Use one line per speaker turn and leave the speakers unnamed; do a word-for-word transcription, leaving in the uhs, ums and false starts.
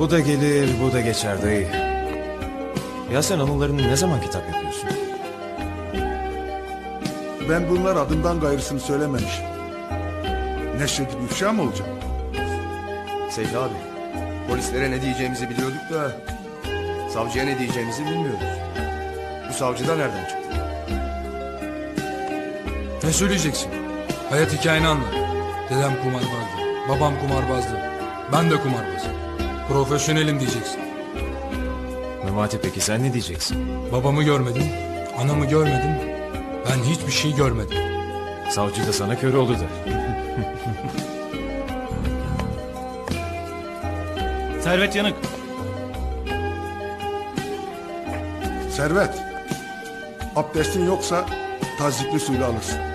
Bu da gelir, bu da geçer dayı. Ya sen anılarını ne zaman kitap yapıyorsun?
Ben bunlar adından gayrısını söylememişim. Neşredip ifşa mı olacak?
Seyfi abi, polislere ne diyeceğimizi biliyorduk da savcıya ne diyeceğimizi bilmiyoruz. Bu savcı da nereden çıktı?
Ne söyleyeceksin? Hayat hikayeni anlat. Dedem kumarbazdı. Babam kumarbazdı. Ben de kumarbazım. Profesyonelim diyeceksin.
Memati peki sen ne diyeceksin?
Babamı görmedim. Anamı görmedim. Ben hiçbir şey görmedim.
Savcı da sana kör oldu der.
Servet Yanık.
Servet, abdestin yoksa tazikli suyla alırsın.